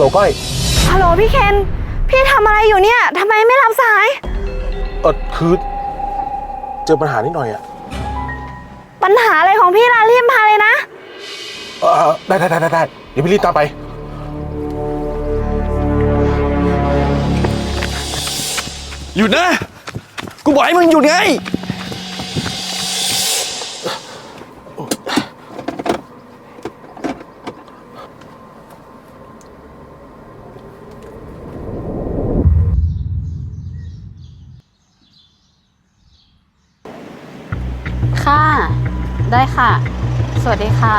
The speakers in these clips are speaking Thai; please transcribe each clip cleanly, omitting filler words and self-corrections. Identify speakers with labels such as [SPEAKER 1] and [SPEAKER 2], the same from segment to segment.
[SPEAKER 1] ก้อย
[SPEAKER 2] ฮัลโหลพี่เคนพี่ทำอะไรอยู่เนี่ยทำไมไม่รับสาย
[SPEAKER 1] คือเจอปัญหานิดหน่อยอะ
[SPEAKER 2] ปัญหาอะไรของพี่ล่ะรีบมาเลยนะ
[SPEAKER 1] ได้เดี๋ยวพี่รีบตามไป
[SPEAKER 3] หยุดนะกูบอกให้มึงหยุดไง
[SPEAKER 4] ค่ะได้ค่ะสวัสดีค่ะ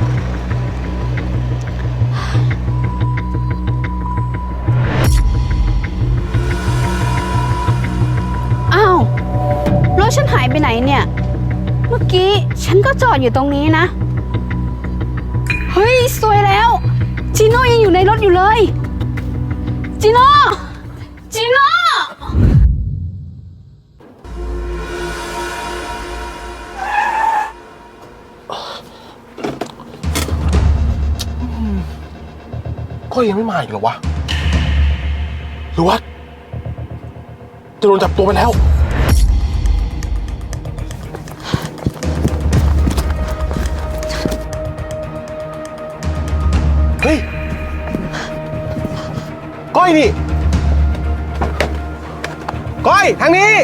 [SPEAKER 4] อ้าวรถฉันหายไปไหนเนี่ยเมื่อกี้ฉันก็จอดอยู่ตรงนี้นะเฮ้ยสวยแล้วจีโน่ยังอยู่ในรถอยู่เลยจีโน่
[SPEAKER 1] ก้อยยังไม่มาอีกเหรอวะหรือว่าจะโดนจับตัวไปแล้วเฮ้ยก้อยนี่ก้อยทางนี้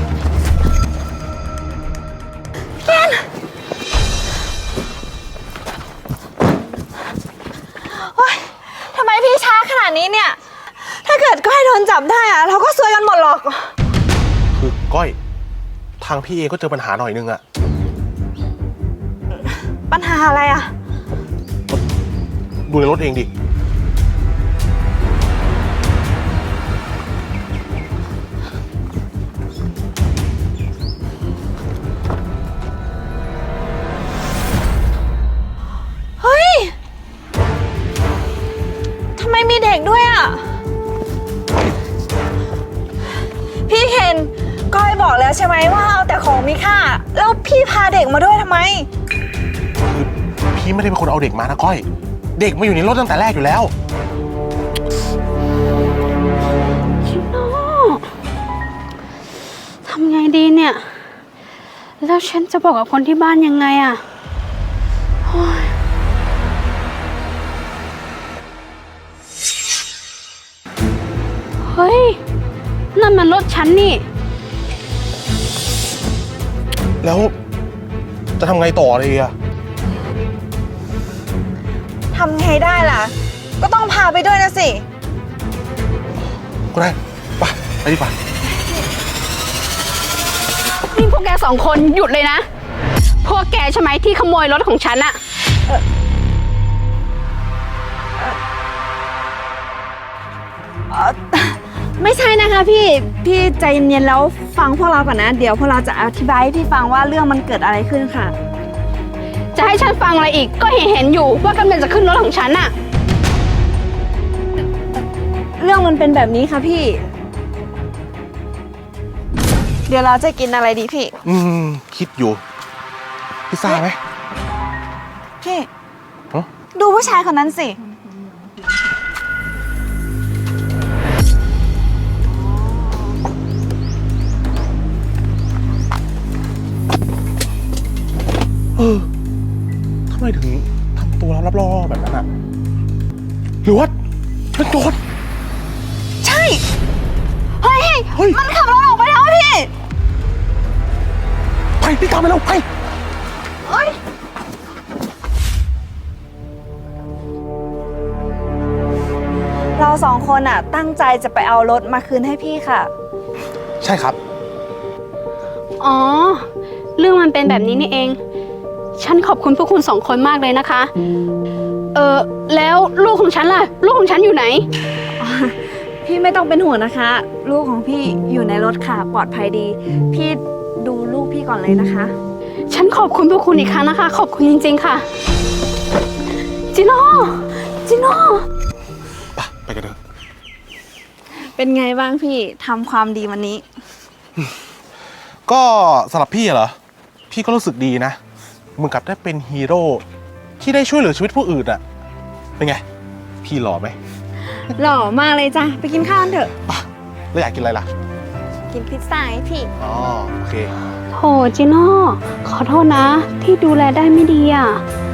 [SPEAKER 2] ทำไมพี่ช้าขนาดนี้เนี่ยถ้าเกิดก้อยโดนจับได้อะเราก็ซวยกันหมดหรอก
[SPEAKER 1] คือก้อยทางพี่เอก็เจอปัญหาหน่อยนึงอะ
[SPEAKER 2] ปัญหาอะไรอะ
[SPEAKER 1] ดูในรถเองดิ
[SPEAKER 2] เฮ้ยทำไมมีเด็กด้วยอะพี่เคนก้อยบอกแล้วใช่ไหมว่าเอาแต่ของมีค่าแล้วพี่พาเด็กมาด้วยทำไม
[SPEAKER 1] คือพี่ไม่ได้เป็นคนเอาเด็กมานะก้อยเด็กมาอยู่ในรถตั้งแต่แรกอยู่แล้ว
[SPEAKER 4] ชิโน่ทำไงดีเนี่ยแล้วฉันจะบอกกับคนที่บ้านยังไงอะเฮ้ยนั่นมันรถฉันนี่
[SPEAKER 1] แล้วจะทำไงต่อเลยอะ
[SPEAKER 2] ทำไงได้ล่ะก็ต้องพาไปด้วยนะสิ
[SPEAKER 1] ก็ได้ไปดีกว่า
[SPEAKER 4] นี่พวกแกสองคนหยุดเลยนะพวกแกใช่ไหมที่ขโมยรถของฉันอะ
[SPEAKER 2] ไม่ใช่นะคะพี่ใจเย็นๆแล้วฟังพวกเราก่อนนะเดี๋ยวพวกเราจะอธิบายให้พี่ฟังว่าเรื่องมันเกิดอะไรขึ้นค่ะ
[SPEAKER 4] จะให้ฉันฟังอะไรอีกก็เห็นอยู่ว่ากำลังจะขึ้นรถของฉันอะ
[SPEAKER 2] เรื่องมันเป็นแบบนี้ค่ะพี่เดี๋ยวเราจะกินอะไรดีพี่
[SPEAKER 1] คิดอยู่พิซซ่าไหม
[SPEAKER 2] พี่ดูผู้ชายคนนั้นสิ
[SPEAKER 1] ทำไมถึงทำตัวลับๆล่อๆแบบนั้นอ่ะหรือว่าเป็นโจร
[SPEAKER 2] ใช่เฮ้ยมันขับรถออกไปแล้วพี่
[SPEAKER 1] ไปตามไปแล้วไป
[SPEAKER 2] เราสองคนอ่ะตั้งใจจะไปเอารถมาคืนให้พี่ค่ะ
[SPEAKER 1] ใช่ครับ
[SPEAKER 4] อ๋อเรื่องมันเป็นแบบนี้นี่เองฉันขอบคุณพวกคุณสองคนมากเลยนะคะแล้วลูกของฉันล่ะลูกของฉันอยู่ไหน
[SPEAKER 2] พี่ไม่ต้องเป็นห่วงนะคะลูกของพี่อยู่ในรถค่ะปลอดภัยดีพี่ดูลูกพี่ก่อนเลยนะคะ
[SPEAKER 4] ฉันขอบคุณพวกคุณอีกครั้งนะคะขอบคุณจริงๆค่ะจิโน่
[SPEAKER 1] ไปกันเถอะ
[SPEAKER 2] เป็นไงบ้างพี่ทำความดีวันนี้
[SPEAKER 1] ก็สำหรับพี่เหรอพี่ก็รู้สึกดีนะเหมือนกับได้เป็นฮีโร่ที่ได้ช่วยเหลือชีวิตผู้อื่นอะเป็นไงพี่หล่อไหม
[SPEAKER 2] หล่อมากเลยจ้ะ ไปกินข้าวกันเถอะ
[SPEAKER 1] แล้วอยากกินอะไรล่ะ
[SPEAKER 2] กินพิซซ่าให้พี่
[SPEAKER 1] อ๋อ โอเค
[SPEAKER 4] โถจิโน่ขอโทษนะ ที่ดูแลได้ไม่ดีอ่ะ
[SPEAKER 1] ไ